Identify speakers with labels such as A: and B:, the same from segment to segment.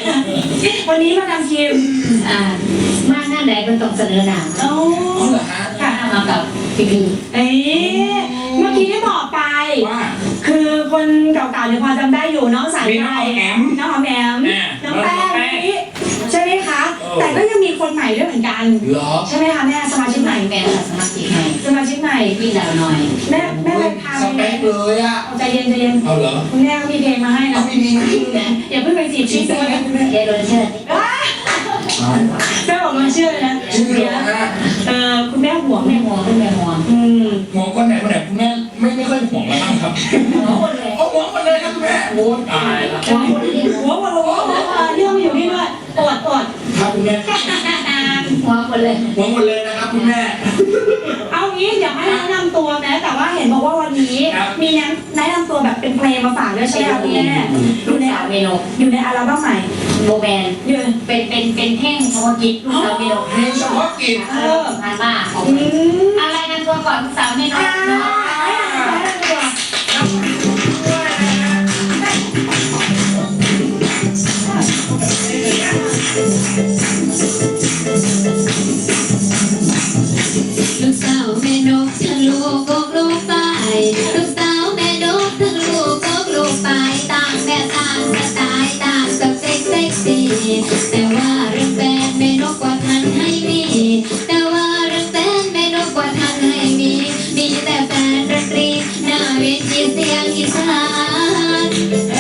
A: วันนี้มาทำทีม
B: มากหน้าไหนมันต้องเสนอหนัง
A: โอ้
C: เหรอฮะ
B: ค่ะมากับพี่
A: เมื่อกี้ได้บอกไป
C: ว่า
A: คือคนเก่าๆเนี่ยพอจำได้อยู่น้องสาย
C: มีน้องแอม
A: น้องแอมน้องแป้งนี่ใช่ไหมคะแต่ก็ยังมีคนใหม่ด้วยเหมือนกัน
C: เหรอ
A: ใช่ไหมคะแม่สมาชิกใหม่
B: แม่สมาชิกใหม่
A: สมาชิกใหม่
B: พี่ดาวหน่อย
A: แม่เลยพา
C: สเปคเลยอ่ะ
A: ใจเย็นใจเย็น
C: เอาเหรอ
A: คุณแม่ก็มีเพลงมาให้นะ
C: เอาไม่มี
A: อย่าเพิ่งไปจีบชื่อตัวนะ
B: เจโรนเชิด
A: แม่บอกมาเชื่อเลยนะ
C: ชื่อเหรอฮะ
A: คุณแม่ห่วง
B: แม่ห่วงคุณแม่ห่วง
C: ห่วงคนไหนคุณแม่ไม่ค่อยห่วงแล้วบ้างครับ
B: ห่วงคนเลย
C: เอาห่วงคนเลยครับคุณแม่โอ้ตายละ
B: ห่วงคนเดียว
A: หัวเรื่องอยู่นี่ด้วยอด
C: ครับคุณแม่
B: ห่วงคนเลย
C: ห่วงหมดเลยนะครับคุณแม่
A: เอางี้เดี๋ยวให้แนะนำตัวนะแต่ว่าเห็นบอกว่าวันนี้มีแนะนำตัวแบบเป็นเพลงมาฝากด้วยใช่ไหมคะคุณแม่
B: ลูกสาวเมโน
A: อยู่ในอัลบั้มใหม่
B: โบแมน
A: อยู่
B: เป็นแท่งเฉพาะกิจลูกสาวเมโน
C: เพลงเฉพาะกิจ
B: งานบ้าของอะไรกันตัวก่อนลูกสาวเมโนเนาะลูกสาวแม่นกทั้งลูกกกลูกไปลูกสาวแม่นกทั้งลูกกกลูกไปต่างแม่ต่างสไตล์ต่างกับเซ็กซี่แต่ว่าเรื่องแฟนแม่นกกว่าทันให้มีแต่ว่าเรื่องแฟนแม่นกกว่าทันให้มีแต่แฟนดนตรีหน้าเวทีเสียงอีสาน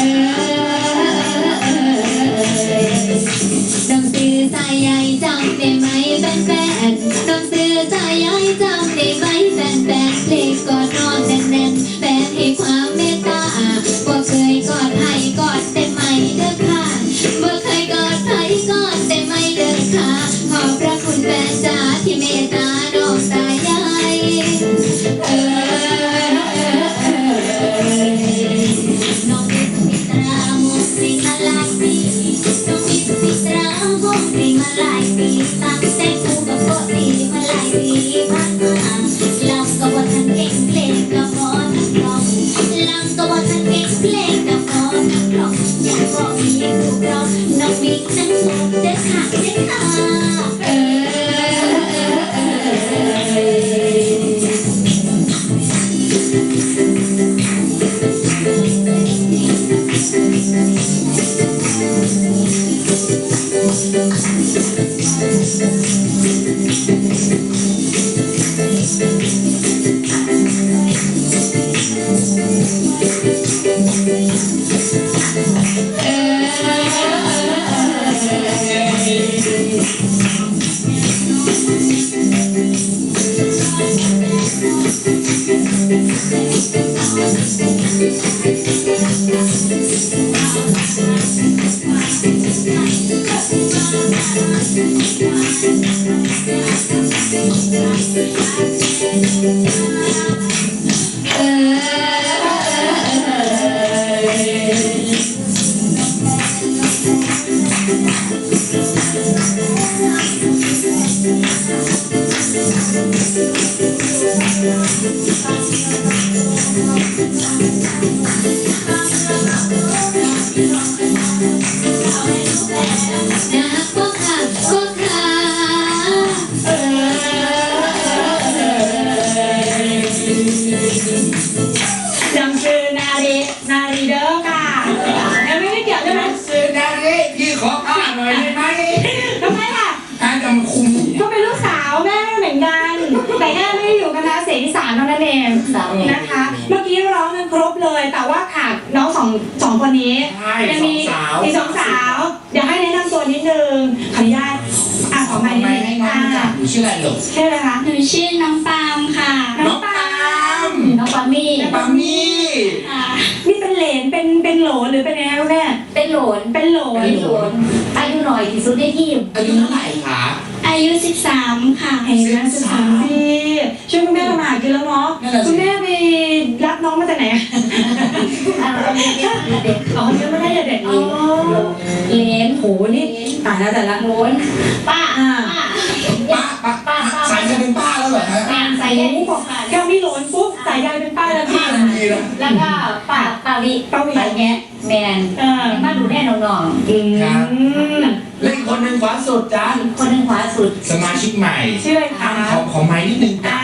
B: น้องซื้อสายใยจำได้ไหมแฟนน้องซื้อสายใยจำได้ไหมแฟนเพลงกอดน้องแน่นแฟนให้ความเมตตาบ่เคยกอดให้กอดแต่ไม่เด้อค่ะบ่เคยกอดให้กอดแต่ไม่เด้อค่ะขอบพระคุณแฟนจ๋าที่เมตตาน้องสายใยน้องเป็นมิตรามุกสิ่งมาหลายปีน้องเป็นมิตรามุกสิ่งมาหลายปีตั้งแต่กูกับโกตีมาหลายปีผ่านมาลำก็ว่าทันเก่งเพลงก็พอนักร้องลำก็ว่าทันเก่งเพลงก็พอนักร้องอยากบอกมีถูกร้องน้องมีนั่งพูดเด้อค่ะเด้อค่ะ
A: จำชื่อนารีเด้อค่ะยังไม่ได้เกี่ยวใช่ไหม
C: ซื้อดาริพี่ขอข้าหน่อยได้ไหม
A: ทำไมล่ะ
C: อาจะมาคุม
A: ก็เป็นลูกสาวแม่เหมือนกัน แต่แค่ไม่ได้อยู่คณะเสียงอีสานเท่านั้นเองนะคะ เมื่อกี้ร้องกันครบเลย แต่ว่าขาดน้องสองคนนี้ยังมีอีกสองสาวเดี๋ยวให้แนะนำตัวนิดนึงขออนุญาตขอไมค์นิดนึง
C: ให้น้องจับอยู่ชื่ออะไรหรอ
A: ชื่ออะไรคะ
D: หนูชื่อน้องปาล์มค่ะ
C: น้องปาม
B: น้องปามี่
C: ปามี่
A: นี่เป็นเหลนเป็นโหลหรือเป็นยังไงคะแม่
B: เป็นโหลน
A: เป็นโหล
B: อายุหน่อยที่สุดในทีม
C: อายุเท่าไหร่คะ
D: อายุ 13 ค่ะ
A: เห็นไหม13 ปีช่วยคุณแม่ทำอาหารกินแล้วเนาะคุณแม่ไปรับน้องมาจากไหน
B: เด็ก
A: อ๋อเลี้ยงไม่ได้เด็กอ๋อ
B: เลน
A: โหนี่ตายแล้วแต่ละ
B: โหลนป้า
C: ป้าสายจะเป็นป้าแล้วเหรอฮะ
B: งานใส่
A: โอ้โหบอกแค่มีโหลนปุ๊บสายยายเป็นป้าแล้วพี่
C: ดีนะ
B: แล้วก็ป้าวิป้าแง่แมนมาดูแน่น้อง
C: ครับและอีกคนหนึ่งขวาสุดจ้า
B: ๆคนหนึ่งขวาสุด
C: สมาชิกใหม่
A: ชื่ออะไรคะ
C: ของไม้นิดนึงจ้า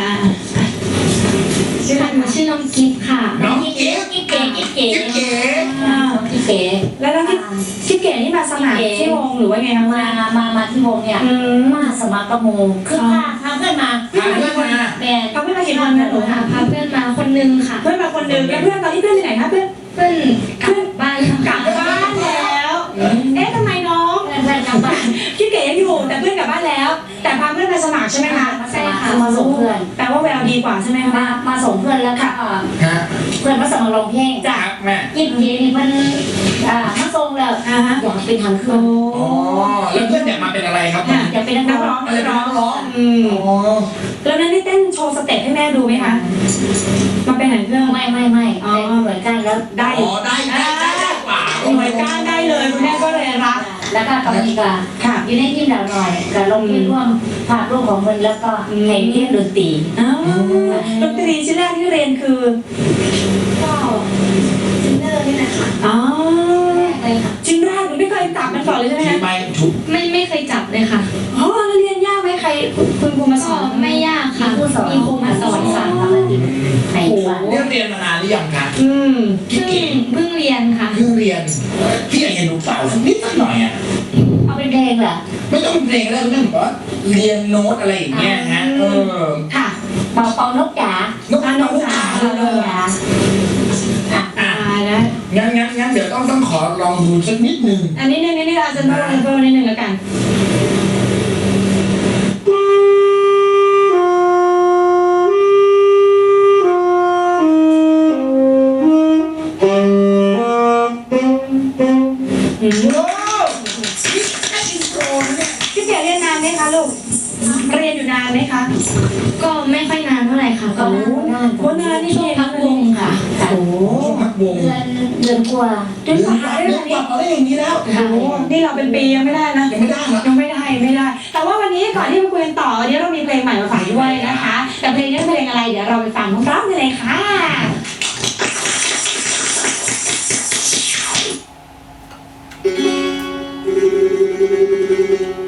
A: ชื่ออะไรคะ
D: ชื่อน้องกิฟต์ค่ะ
C: น้อง
B: กิ๊
C: กิ๊ฟ
B: กิ๊เก๋กิ๊เก๋
C: กิ๊ฟเก๋
B: กิ๊เก๋
A: แล้วน้องที่เก๋นี่มาสมัครที่วงหรือว่าไงคะ
B: มาที่วงเนี่ยมาสมัครกระโมคือพาเพื่อนมา
C: พาเพื่อนมา
B: แมน
A: เขาเพื่อนมากี่คนนะหนู
D: ค่ะพาเพื่อนมาคนนึงค่ะ
A: เพื่อนมาคนหนึ่งแล้วเพื่อนตอนนี้เพื่อนไปไหนคะเพื่อน
D: เพื่อนกลับบ้านแล้ว
A: กลับบ้านแล้ว เอ๊ะทำไมน้อง
B: เพื่อนกลับบ้าน
A: พี่เก๋ยังอยู่แต่เพื่อนกลับบ้านแล้ว แต่พาเพื่อนมาสมัครใช่ไหมคะ
B: ใช่ค่ะมาส่งเพื่อน
A: แปลว่าแววดีกว่าใช่ไหมคะ
B: มาส่งเพื่อนแล้วก็
C: ฮะ
B: เพื่อนมาสมัครร้องเพลง
C: ครับแม่
B: กิ๊เก๋นี่มันมาส่งแล้วอยากเป็นทางเครื่อง
C: อ๋อแล้วเพื่อนอยากมาเป็นอะไรครับ
B: อยากเป็นนัก
A: นัก
B: ร้
A: ร้
B: อ
A: อง งนักร้อง
C: อ๋อ
A: แล้วนั้นได้เต้นโชว์สเต็ปให้แม่ดูไหมคะมาเป็นหนังเครื่อง
B: ไม่เหมือนกันแล้ว
A: ได้
C: อ๋อได้กว่า
A: หน่วยก้านได้เลยคุณแม่ก็เลยรับ
B: แล้วก็ตอนนี้ก็
A: ค่ะ
B: อยู่ในทีมดาวหน่อยกับลงที่ร่วมภาพร่วมของมันแล้วก็ในเรียนดนตรี
A: อ้าวดนตรีชิ้นแรกที่เรียนคือ
D: ก็ซินเนอร์นี่แหละค่ะ
A: อ๋อ
D: เลยค่ะ
A: ชิ้นแรกหนูไม่เคยจับมันก่อนเลยใช่ไหม
C: ที่
A: คะ
C: ไม่ถูก
D: ไม่เคยจับเลยค่ะ
A: อ๋อแล้วเรียนยากไหมใครคุณครูมาส
D: ก็
A: อน
D: ไม่ยากค่ะ
B: มีผู้สอน
D: มีครูมาสอนค่ะ
B: ปกติในวัน
C: เรียนมานานหรือยังคะ
D: เพิ่งเรียนค่ะ
C: เพิ่งเรียนพี่อยากเห็นหนูเปล่าสักนิดสักหน่อยอ่ะ
B: เอาเป็นเพลงเหรอ
C: ไม่ต้องเพลงแล้วเรื่องแบบว่าเรียนโน้ตอะไรอย่างเงี้ยฮะ
A: ค่ะ
B: เป่านกจ๋าน
C: กนกจ๋า
B: เป่านกจ๋า
A: อ่านะ
C: งั้นเดี๋ยวต้องขอลองดูสักนิดนึง
A: อันนี้นี่อาจจะโน้ตโน้ตนิดนึงแล้วกันพี่เก๋เรียนนานไหมคะลูกเรียนอยู่นานไหมคะ
D: ก็ไม่ค่อยนานเท่าไหร่ค่ะ
B: ก็
A: โอ้นานนี่
D: ช่วงพักวงค่ะ
C: โอ้มักวง
B: เดือนกว่า
A: เดือนกว่าได้
C: เรี
A: เลย
C: นกลับมาได้อย่างนี้แล้ว
A: โอ้นี่เราเป็นปียังไม่ได้นะ
C: ยังไม่ได้เหรอ
A: ยังไม่ได้ แต่ว่าวันนี้ก่อนที่มาคุยกันต่อวันนี้เรามีเพลงใหม่มาฝากด้วยนะคะ แต่เพลงนี้เป็นเพลงอะไรเดี๋ยวเราไปฟังพร้อมๆกันเลยค่ะ